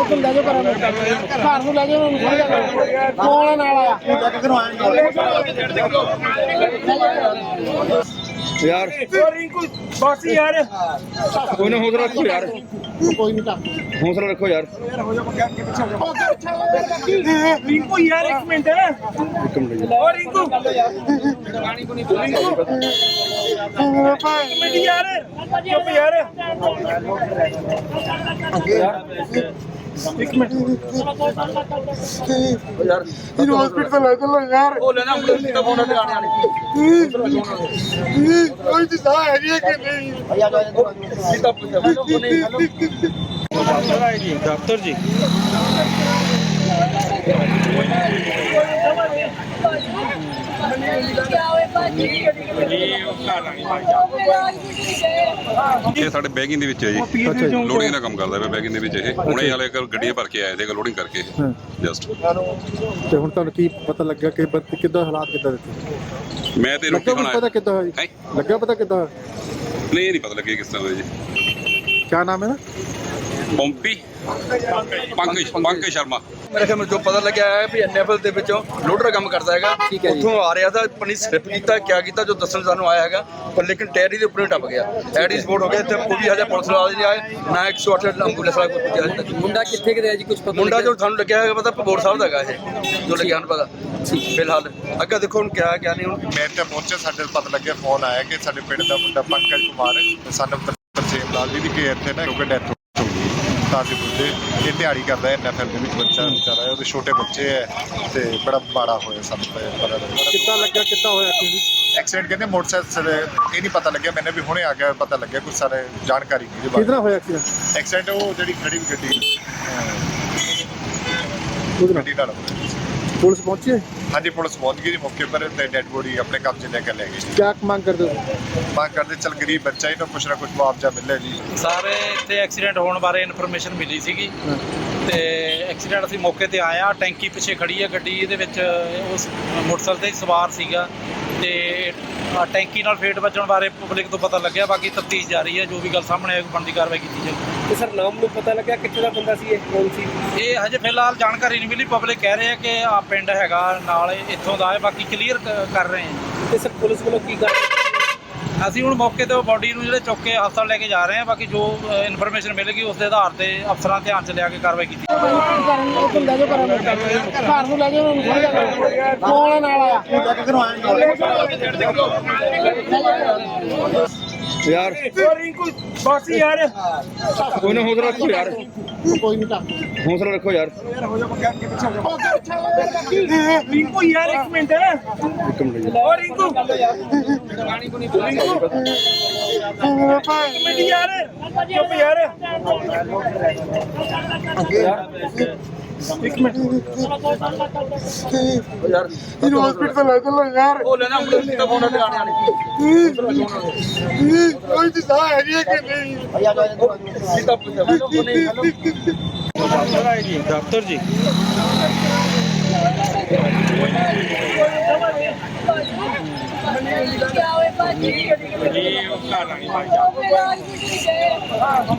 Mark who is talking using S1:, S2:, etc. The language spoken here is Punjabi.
S1: ਲੈ ਜਾਓ ਘਰ ਨੂੰ ਲੈ ਜਾਓ ਉਹਨੂੰ ਫੜ ਜਾ ਕੌਣ ਨਾਲ ਆਇਆ
S2: यार
S3: बस यार
S2: कोई ना हौसला रखो यार
S1: ਕੋਈ ਨਹੀਂ
S2: हौसला रखो यार
S3: रिंकू यार एक मिनट
S2: एक मिनट
S3: और रिंकू मिनट यार चुप यार एक मिनट
S2: यार
S1: ਇਹਨੂੰ ਹਸਪੀਟਲ ਲੈ ਚੱਲੋ ਯਾਰ
S2: ਉਹ ਲੈਣਾ ਐਂਬੂਲੈਂਸ ਦਾ ਫੋਨ ਤੇ ਆਣੇ
S1: ਕੋਈ ਦਿਸ਼ਾ ਹੈਗੀ ਹੈ ਕਿ ਨਹੀਂ
S2: सीधा पूछो नहीं
S3: डॉक्टर जी
S4: ਇਹ ਸਾਡੇ ਬੈਗਿੰਗ ਦੇ ਵਿੱਚ ਹੈ ਜੀ ਲੋਡਿੰਗ ਦਾ ਕੰਮ ਕਰਦਾ ਪਿਆ ਬੈਗਿੰਗ ਦੇ ਵਿੱਚ ਇਹ ਹੁਣੇ ਵਾਲੇ ਗੱਡੀਆਂ ਭਰ ਕੇ ਆਏ ਸੀਗੇ ਲੋਡਿੰਗ ਕਰਕੇ ਜਸਟ
S5: ਤੇ ਹੁਣ ਤੁਹਾਨੂੰ ਕੀ ਪਤਾ ਲੱਗਾ ਕਿ ਕਿੱਦਾਂ ਹਾਲਾਤ ਕਿੱਦਾਂ ਦਿੱਤੇ
S4: ਮੈਂ ਤੇ ਰੋਟੀ
S5: ਲੱਗਾ ਪਤਾ ਕਿੱਦਾਂ ਹੋਈ
S4: ਹੈਂ?
S5: ਲੱਗਾ ਪਤਾ ਕਿੱਦਾਂ
S4: ਨਹੀਂ ਨਹੀਂ ਪਤਾ ਲੱਗਿਆ ਕਿਸ ਤਰ੍ਹਾਂ ਹੋਇਆ ਜੀ
S5: ਕੀ ਨਾਮ ਹੈ ਨਾ
S4: ਪੰਪੀ ਪੰਕਜ ਸ਼ਰਮਾ
S2: ਮੇਰੇ ਖਿਆਲ ਜੋ ਪਤਾ ਲੱਗਿਆ ਹੈ ਵੀ ਐਨਐਫਐਲ ਦੇ ਵਿੱਚੋਂ ਲੋਡਰ ਕੰਮ ਕਰਦਾ ਹੈਗਾ ਉੱਥੋਂ ਆ ਰਿਹਾ ਤਾਂ ਆਪਣੀ ਸਲਿੱਪ ਕੀਤਾ ਕਿਆ ਕੀਤਾ ਜੋ ਦੱਸਣ ਸਾਨੂੰ ਆਇਆ ਹੈਗਾ ਪਰ ਲੇਕਿਨ ਟੈਰੀ ਦੇ ਉੱਪਰ ਹੀ ਟੱਪ ਗਿਆ ਐਡੀ ਸਪੋਰਟ ਹੋ ਗਿਆ ਇੱਥੇ ਕੋਈ ਵੀ ਹਜੇ ਪੁਲਿਸ ਵਾਲੇ ਨਹੀਂ ਆਏ ਨਾ 108 ਐਂਬੂਲੈਂਸ ਵਾਲਾ ਕੋਈ ਪਹੁੰਚਿਆ ਹਜੇ ਤੱਕ
S6: ਮੁੰਡਾ ਕਿੱਥੇ ਗਿਆ ਜੀ ਕੁਝ ਪਤਾ
S4: ਮੁੰਡਾ ਜੋ ਸਾਨੂੰ ਲੱਗਿਆ ਹੈਗਾ ਪਤਾ ਭਗੌੜ ਸਾਹਿਬ ਦਾ ਹੈਗਾ ਇਹ ਜੋ ਲੱਗਿਆ ਹਨ ਪਤਾ ਫਿਲਹਾਲ ਅੱਗੇ ਦੇਖੋ ਹੁਣ ਕਿਆ ਕਿਆ ਨਹੀਂ ਹੁਣ
S7: ਮੈਂ ਤਾਂ ਪਹੁੰਚਿਆ ਸਾਡੇ ਪਤਾ ਲੱਗਿਆ ਫੋਨ ਆਇਆ ਕਿ ਸਾਡੇ ਪਿੰਡ ਦਾ ਮੁੰਡਾ ਪੰਕਜ ਕੁਮਾਰ ਸਾਨੂੰ ਤਰਸੇਮ ਲਾਲ ਜੀ ਦੀ ਕਿ ਇੱਥੇ ਨਾ ਕਿਉਂਕਿ ਡੈਥ ਹੋ ਗਈ ਤਾਂ ਅਸੀਂ ਪੁੱਛੇ ਇਹ ਦਿਹਾੜੀ ਕਰਦਾ ਹੈ ਐਨਐਫਐਲ ਦੇ ਵਿੱਚ ਬੱਚਾ ਵਿਚਾਰਾ ਉਹਦੇ ਛੋਟੇ ਬੱਚੇ ਹੈ ਤੇ ਬੜਾ ਮਾੜਾ ਹੋਇਆ ਸਾਨੂੰ ਪਤਾ ਲੱਗਾ
S5: ਕਿੱਦਾਂ ਲੱਗਾ ਕਿੱਦਾਂ ਹੋਇਆ ਕੀ
S7: ਐਕਸੀਡੈਂਟ ਕਹਿੰਦੇ ਮੋਟਰਸਾਈਕਲ ਇਹ ਨਹੀਂ ਪਤਾ ਲੱਗਿਆ ਮੈਨੂੰ ਵੀ ਹੁਣੇ ਆ ਗਿਆ ਪਤਾ ਲੱਗਿਆ ਕੁਝ ਸਾਰੇ ਜਾਣਕਾਰੀ ਨਹੀਂ ਇਹਦੇ
S5: ਕਿਹਦਾ
S7: ਬਾਰੇ
S5: ਹੋਇਆ ਐਕਸੀਡੈਂਟ
S7: ਐਕਸੀਡੈਂਟ ਉਹ ਜਿਹੜੀ ਖੜੀ ਗੱਡੀ
S5: ਉਹਦੇ ਨਾਲ
S7: ਗੱਡੀ ਨਾਲ ਹੋਇਆ।
S5: ਪੁਲਿਸ ਪਹੁੰਚੀ ਹੈ
S7: ਹਾਂਜੀ ਪੁਲਿਸ ਪਹੁੰਚ ਗਈ ਜੀ ਮੌਕੇ ਪਰ ਤੇ ਡੈਡ ਬੋਡੀ ਆਪਣੇ ਕਬਜ਼ੇ ਲੈ ਕੇ ਲੈ ਗਈ
S5: ਕਿਆ ਮੰਗ ਕਰਦੇ ਹੋ
S7: ਮੰਗ ਕਰਦੇ ਚਲ ਗਰੀਬ ਬੱਚਾ ਇਹਨੂੰ ਕੁਛ ਨਾ ਕੁਛ ਮੁਆਵਜ਼ਾ ਮਿਲੇ ਜੀ
S3: ਸਾਰੇ ਇੱਥੇ ਐਕਸੀਡੈਂਟ ਹੋਣ ਬਾਰੇ ਇਨਫੋਰਮੇਸ਼ਨ ਮਿਲੀ ਸੀਗੀ ਤੇ ਐਕਸੀਡੈਂਟ ਅਸੀਂ ਮੌਕੇ ਤੇ ਆਏ ਆ ਟੈਂਕੀ ਪਿੱਛੇ ਖੜੀ ਹੈ ਗੱਡੀ ਇਹਦੇ ਵਿੱਚ ਉਸ ਮੋਟਰਸਾਈਕਲ ਤੇ ਸਵਾਰ ਸੀਗਾ ਤੇ ਟੈਂਕੀ ਨਾਲ ਫੇਟ ਵੱਜਣ ਬਾਰੇ ਪਬਲਿਕ ਤੋਂ ਪਤਾ ਲੱਗਿਆ ਬਾਕੀ ਤਫਤੀਸ਼ ਜਾਰੀ ਹੈ ਜੋ ਵੀ ਗੱਲ ਸਾਹਮਣੇ ਆਏਗੀ ਬਣਦੀ ਕਾਰਵਾਈ ਕੀਤੀ ਜਾਏਗੀ
S6: ਤੇ ਸਰ ਨਾਮ ਨੂੰ ਪਤਾ ਲੱਗਿਆ ਕਿੱਥੇ ਦਾ ਬੰਦਾ ਸੀ ਇਹ ਕੌਣ ਸੀ
S3: ਇਹ ਹਜੇ ਫਿਲਹਾਲ ਜਾਣਕਾਰੀ ਨਹੀਂ ਮਿਲੀ ਪਬਲਿਕ ਕਹਿ ਰਹੇ ਆ ਕਿ ਆ ਪਿੰਡ ਹੈਗਾ ਨਾਲ ਇੱਥੋਂ ਦਾ ਹੈ ਬਾਕੀ ਕਲੀਅਰ ਕਰ ਰਹੇ ਹਾਂ
S6: ਤੇ ਸਰ ਪੁਲਿਸ ਵੱਲੋਂ ਕੀ ਕਰ
S3: ਅਸੀਂ ਹੁਣ ਮੌਕੇ ਤੇ ਬੋਡੀ ਨੂੰ ਜਿਹੜੇ ਚੁੱਕ ਕੇ ਹਸਪਤਾਲ ਲੈ ਕੇ ਜਾ ਰਹੇ ਹਾਂ ਬਾਕੀ ਜੋ ਇਨਫੋਰਮੇਸ਼ਨ ਮਿਲੇਗੀ ਉਸ ਦੇ ਆਧਾਰ ਤੇ ਅਫਸਰਾਂ ਧਿਆਨ 'ਚ ਲਿਆ ਕੇ ਕਾਰਵਾਈ ਕੀਤੀ
S1: ਲੈ ਜਾਓ ਘਰ ਨੂੰ ਲੈ ਜਾਓ ਉਹਨੂੰ ਫੜ ਜਾ ਕੌਣ ਨਾਲ ਆਇਆ
S2: यार
S3: रिंकू बस यार
S2: कोई ना हौसला रखो यार
S1: ਕੋਈ ਨਹੀਂ
S2: हौसला रखो यार
S3: रिंकू यार एक मिनट
S2: एक मिनट
S3: और रिंकू मिनट यार चुप यार एक मिनट
S2: यार
S5: ਇਹਨੂੰ ਹਸਪੀਟਲ ਲੈ ਚੱਲੋ ਯਾਰ
S2: ਉਹ ਲੈਣਾ ਐਂਬੂਲੈਂਸ ਦਾ ਫੋਨ ਤੇ ਆਣੇ
S5: ਕੋਈ ਦਿਸ਼ਾ ਹੈਗੀ ਹੈ ਕਿ ਨਹੀਂ
S2: सीधा पूछो नहीं
S3: डॉक्टर जी
S6: क्या हुआ